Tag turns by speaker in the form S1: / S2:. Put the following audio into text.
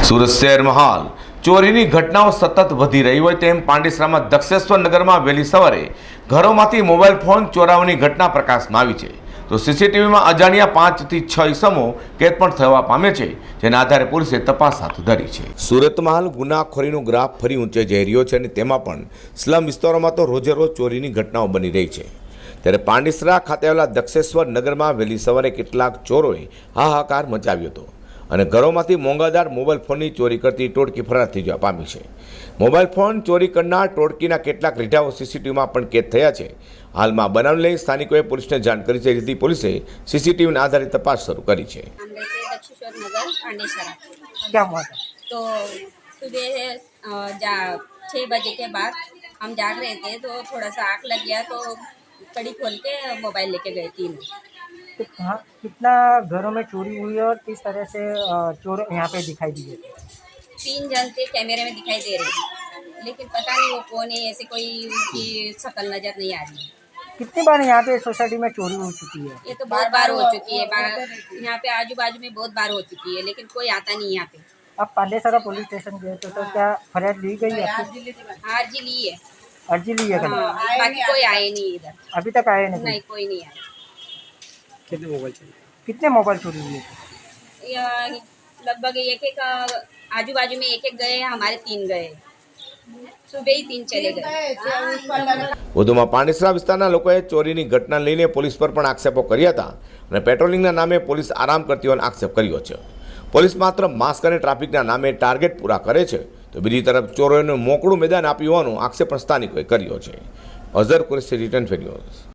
S1: સુરત શહેરમાં હાલ ચોરીની ઘટનાઓ સતત વધી રહી હોય તેમ પાંડેસરામાં દક્ષેશ્વર નગરમાં વહેલી સવારે ઘરોમાંથી મોબાઈલ ફોન ચોરાવાની ઘટના પ્રકાશમાં આવી છે. તો સીસીટીવીમાં અજાણ્યા 5 થી 6 ઇસમો કેદ પણ થવા પામે છે, જેના આધારે પોલીસે તપાસ હાથ ધરી છે. સુરતમાં હાલ ગુનાખોરીનો ગ્રાફ ફરી ઊંચે જઈ રહ્યો છે અને તેમાં પણ સ્લમ વિસ્તારોમાં તો રોજે રોજ ચોરીની ઘટનાઓ બની રહી છે. ત્યારે પાંડેસરા ખાતે આવેલા દક્ષેશ્વર નગરમાં વહેલી સવારે કેટલાક ચોરોએ હાહાકાર મચાવ્યો હતો અને ઘરોમાંથી મોંઘાદાર મોબાઈલ ફોનની ચોરી કરતી ટોળકી ફરાર થઈ જવા પામી છે. મોબાઈલ ફોન ચોરી કરનાર ટોળકીના કેટલાક રીઢાઓ સીસીટીવીમાં પણ કેદ થયા છે. હાલમાં બનાવ લઈ સ્થાનિકોએ પોલીસને જાણ કરી છે, જેથી પોલીસે સીસીટીવીના આધારે તપાસ શરૂ કરી છે.
S2: दक्षेश्वर नगर पांडेसरा।
S3: क्या हुआ था?
S2: तो सुबह 6 बजे के बाद हम जाग रहे थे तो थोड़ा सा आग लग गया, तो कड़ी खोल के मोबाइल लेके गए तीन।
S3: हाँ, कितना घरों में चोरी हुई और किस तरह से चोर यहाँ पे दिखाई दिए थे?
S2: 3 जन थे, कैमरे में दिखाई दे रहे हैं, लेकिन पता नहीं वो कौन है, ऐसे कोई उनकी शक्ल नजर नहीं आ रही है।
S3: कितनी बार यहाँ पे सोसाइटी में चोरी हो चुकी है?
S2: ये तो बहुत बार हो चुकी है, यहाँ पे आजू बाजू में बहुत बार हो चुकी है, लेकिन कोई आता नहीं यहाँ पे।
S3: आप पांडेसरा पुलिस स्टेशन गए तो क्या फरियाद ली गई आपकी?
S2: अर्जी ली है,
S3: अर्जी ली है कभी?
S2: हाँ, बाकी कोई आए नहीं इधर,
S3: अभी तक आए नहीं?
S2: नहीं कोई नहीं आया।
S3: कितने मोबाइल चोरी हुए थे?
S2: लगभग एक आजू बाजू में एक गए, हमारे 3 गए, सुबह ही 3 चले गए।
S1: વધુમાં પાંડેસરા વિસ્તારના લોકોએ ચોરીની ઘટના લઈને પોલીસ પર પણ આક્ષેપો કર્યા હતા અને પેટ્રોલિંગના નામે પોલીસ આરામ કરતી હોવાનો આક્ષેપ કર્યો છે. પોલીસ માત્ર માસ્ક અને ટ્રાફિકના નામે ટાર્ગેટ પૂરા કરે છે, તો બીજી તરફ ચોરોને મોકળું મેદાન આપ્યું હોવાનો આક્ષેપ પણ સ્થાનિકોએ કર્યો છે. Azhar Qureshi, return fair news.